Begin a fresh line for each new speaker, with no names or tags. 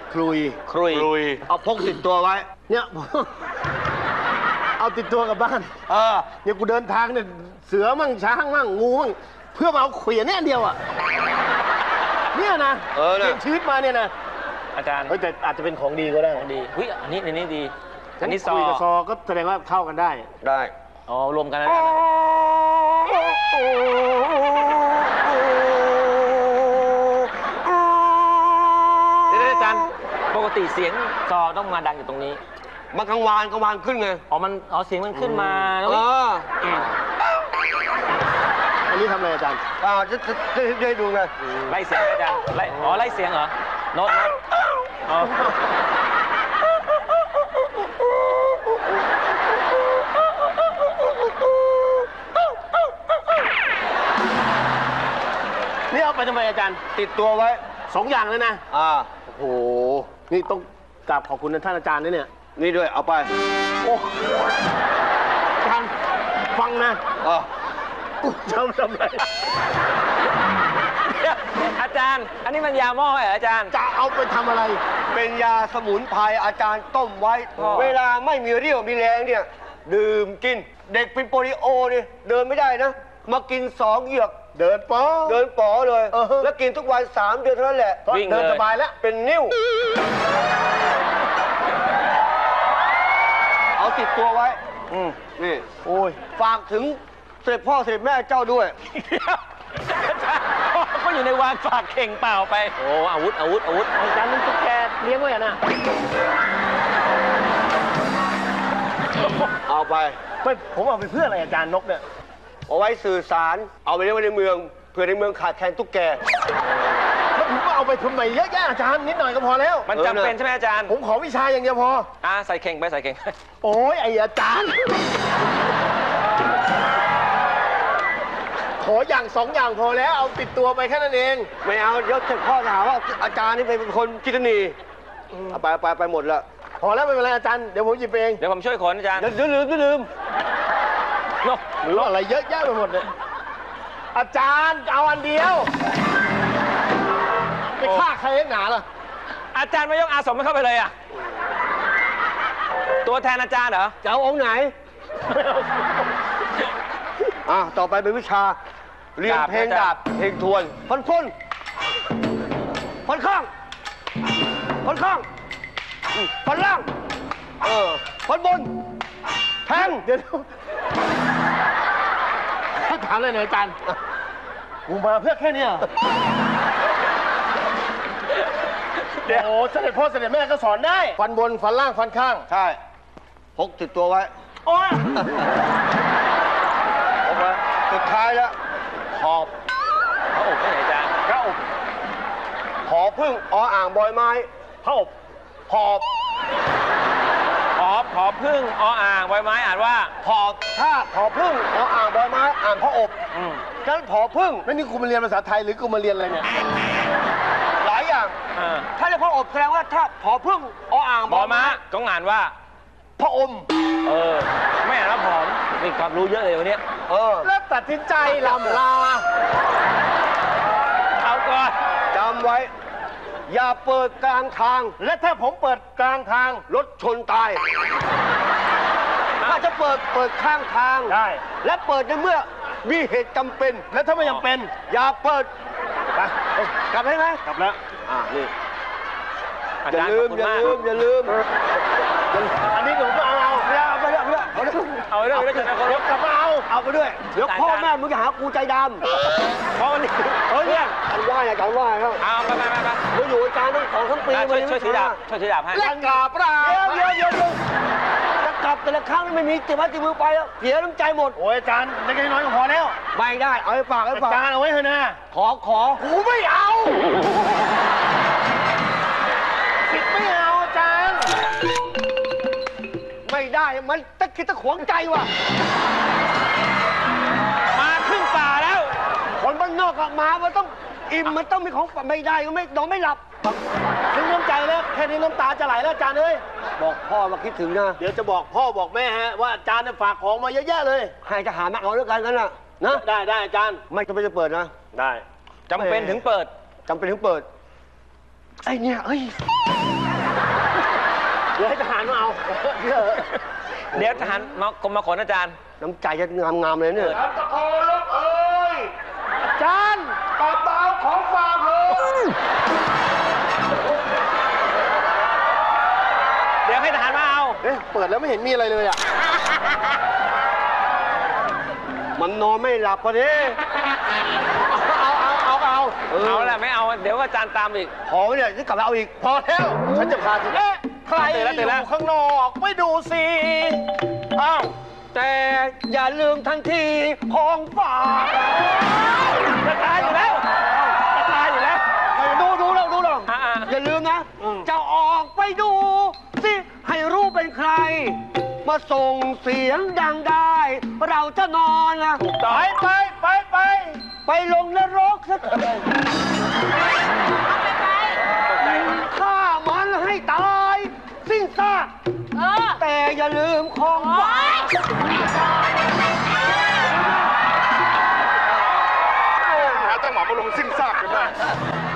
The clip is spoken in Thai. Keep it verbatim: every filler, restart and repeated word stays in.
คลุย
ครุย
ลุย
เอาพกติดตัวไว้ เนี่ย เอาติดตัวกลับบ้าน
เออ
เนี่ยกูเดินทางเนี่ยเสือมั่งช้างมั่งงูมั่งเพื่อมาเอาเขวียนเนี่ยเดียวอ่ะเนี่ยนะ
เออนะ
เปลี่ยนชีวิตมาเนี่ยนะ
อาจารย์
เฮ้ยแต่อาจจะเป็นของดีก็ได้
ดีหุ้ยอันนี้อันนี้ดี อันนี้ซอ
คุยกับซอก็แสดงว่าเข้ากันได้
ได้
อ๋อรวมกันแล้ว เดี๋ยวอาจารย์ปกติเสียงซอต้องมาดังอยู่ตรงนี้
มันกังวานกังวานขึ้นไง
อ๋อมันอ๋อเสียงมันขึ้นมา
เอ
แล้ว
อ
อันนี้ทำอะไรอาจารย์
อ่าจะจะจะจะให้ดูไง
ไล่เสียงอาจารย์ไล่อ๋อไล่เสียงเหรอโน้ตโน้ตอ๋อ
นี่เอาไปทำไมอาจารย์
ติดตัวไว้
สองอย่างเลยนะ
อ่า
โอ้โหนี่ต้องกราบขอบคุณท่านอาจารย์ด้วยเนี่ย
นี่ด้วย เอาไป
โอ้อาจารย์ฟังนะ
อ่า
กูจะเอาทำอะไร
อาจารย์ อันนี้มันยาหม้อเหรออาจารย์
จะเอาไปทำอะไร
เป็นยาสมุนไพรอาจารย์ต้มไว้
อ๋อ
เวลาไม่มีเรี่ยวมีแรงเนี่ย ดื่มกิน เด็กเป็นโปลิโอเนี่ยเดินไม่ได้นะ มากินสองเหยือก
เดินป๋อ
เดินป๋อเลย
เออ
แล้วกินทุกวันสามเดือนเท่านั้นแหละ
ก็เดินสบายแล้ว
เป็นนิ้ว เอาติดตัวไว้ อืมนี่
โอ้ย
ฝากถึงเสด็จพ่อเสด็จแม่เจ้าด้วย
ก็อยู่ในวางฝากเข่งเปล่าไป โอ้อาวุธอาวุธอาวุธ
อาจารย์มันตุ๊กแกเลี้ยงไว้อะนะ
เอาไป
ไม่ผมเอาไปเพื่ออะไรอาจารย์นกเนี่ย
เอาไว้สื่อสาร เอาไปเลี้ยงไว้ในเมือง เพื่อในเมืองขาดแคลนตุ๊กแก
แล้วผมก็เอาไปทำไมเยอะแยะอาจารย์นิดหน่อยก็พอแล้ว
มันจำเป็นใช่ไหมอาจารย์
ผมขอวิชาอย่างเดียวพอ
อ่าใส่เข่งไปใส่เข่ง
โอ้ยไอ้อาจารย์ ขออย่างสองอย่างพอแล้วเอาติดตัวไปแค่นั้นเอง
ไม่เอา เดี๋ยวเสด็จพ่อจะหาว่าอาจารย์นี่เป็นคนคิดหนีเอาไปไปไปหมดแล้ว
พอแล้วไม่เป็นไรอาจารย์เดี๋ยวผมหยิบเอง
เดี๋ยวผมช่วยขนอาจารย์
เดี๋ยวลืมเดี๋ยวลืม
โน่
หรืออะไรเยอะแยะไปหมดเลยอาจารย์เอาอันเดียวไปฆ่าใครเองหนาล่ะ
อาจารย์ไม่ยกอาสมไม่เข้าไปเลยอ่ะ ตัวแทนอาจารย์เหรอ
จะเอาองค์ไหน อ่ะ ต่อไปเป็นวิชา เรียน
ดาบ
เพลง
นะจ๊ะ
ดาบ เพลงทวนพันพ้นพันข้างพันข้างอืมพันล่าง เออพันบน แทง
เดี๋ยวถ้าถามเลยหน่อยอาจารย์กูมาเพื่อแค่เนี้ยเหรอโอ้เสด็จพ่อเสด็จแม่ก็สอนได้ ฟันบน ฟันล่าง ฟันข้าง
ใช่ พกติดตัวไว้
โอ้ย
พกไว้สุดท้ายแล้ว
ขอบ
พระอบไม่ไหนอาจารย์
พระอบ
ขอพึ่งออ่างบอยไม้
พระอบหอบ
ขอขอพึ่งออ่างใบไม้อ่านว่า
ผอบถ้าผอพึ่งออ่างบอยไม้ อ่านพระอบ
อืม
ฉะนั้นผอพึ่ง
แล้วนี่กูมาเรียนภาษาไทยหรือกูมาเรียนอะไรเนี่ย
หลายอย่าง
อ่า
ถ้าเรียกพระอบแสดงว่าถ้าผอพึ่งออ่าง
บบ อ
อย
ม้า
ไม้
ต้องอ่านว่า
พระอม
เออ ไม่อ่านว่าผอมมีความรู้เยอะเลยวันนี้
เออ
แล้วตัดสินใจลำลา
เอาก่อน
จำไว้ อย่าเปิดกลางทาง
และถ้าผมเปิดกลางทาง
รถชนตาย ถ้าจะเปิดเปิดข้างทาง
ได้
และเปิดในเมื่อมีเหตุจำเป็น
แล้วถ้าไม่จำเป็น
อย่าเปิด
ไปเอ้ย
กลับได้ไหม
กลับแล้ว
อ่านี่
อา
อย่า
จารย์
ลื
ขอ
ม
บคุณ
อย่าม
าก
ลืมอย่าลืม
อันนี้ผมก็เอาเอา
ไม่เอาไปเรื่อยไปเรื่อยเอาเรื่อย
เอาเรื่องนี้จะเคารพ
กลับมาเอา
เอาไปด้วยเดี๋ยวพ่อแม่มึงจะหากูใจดำ
เพราะวันนี้
เฮ้ยเนี่ยการไหว้อะการไหว้ครับ
เอาไปไปไปไป
เราอยู่อาจารย์ตั้งสองทั้งปี
ช่วยช่วยถือดาบช่วยถือดาบให้
และกราบลา
เดี๋ยวเดี๋ยวเดี๋ยวเดี๋ยวจะกลับแต่ละครั้งไม่มีติดไม้ติดมือไปแล้วเสียน้ำใจหมด
โอ้ยอาจารย์เล็กๆน้อยๆก็พอแล้ว
ไม่ได้เอาให้ฝากให้
อา
ฝาก
จารย์เอาไว้เถอะนะ
ขอขอ
กูไม่เอาสิทธิ์ไม่เอาอาจารย์
ไม่ได้มันตะคิดตะขวงใจว่ะ
มาครึ่งป่าแล้ว
คนบ้านนอกอะมามันต้องอิ่มมันต้องมีของฝากไม่ได้ก็ไม่นอนไม่หลับ
ถึงน้ำใจแล้วแค่นี้น้ำตาจะไหลแล้วอาจารย์เอ้ย
บอกพ่อมาคิดถึงนะ
เดี๋ยวจะบอกพ่อบอกแม่ฮะว่าอาจารย์เนี่ยฝากของมาเยอะแยะเลย
ให้ทหารมาเอาด้วยกันกันนะนะ
ได้ได้อาจารย์
ไม่จำเป็นจะเปิดนะ
ได้
จำเป็นถึงเปิด
จำเป็นถึงเปิดไอเนี่ยเอ้ย
เดี๋ยวให้ทหารมาเอาเดี๋ยว
เดี๋ยวทหารมากรมมาขนอาจารย์
น้ำใจจะงามๆเลยเนี่ย
ตะโกนลบเอ้ยจานตอบเบาของฝากเลย
เดี๋ยวให้ทหารมาเอา
เอ๊ะเปิดแล้วไม่เห็นมีอะไรเลยอ่ะ
มันนอนไม่หลับพอดี
เอาเอาเอาเอา
เอาแหละไม่เอา เดี๋ยวอาจารย์ตามอีก
พอไหมเนี่ยจะกลับมาเอาอีก
พอแล้วฉันจะพาถึงเอ๊ะใคร
ตื่นแล้วตื่นแล้ว
อยู่ข้างนอกไม่ดูสิอ้าว
แต่อย่าลืมทันทีของฝาก
จะตายอยู่แล้วจะตายอยู่แล้ว
ดูดูเราดูเรา
อ่าๆ
อย่าลืมนะ จะออกไปดูสิให้รู้เป็นใคร มาส่งเสียงดังได้ เราจะนอนนะ
ถูกต้
ไป
อง
ไปไปไป
ไปลงนรกสักฆ่ามันให้ตาย สิ้นซาก
เออ
แต่อย่าลืมของฝาก
หาตั้งหมอมาลงสิ้นซากกันได้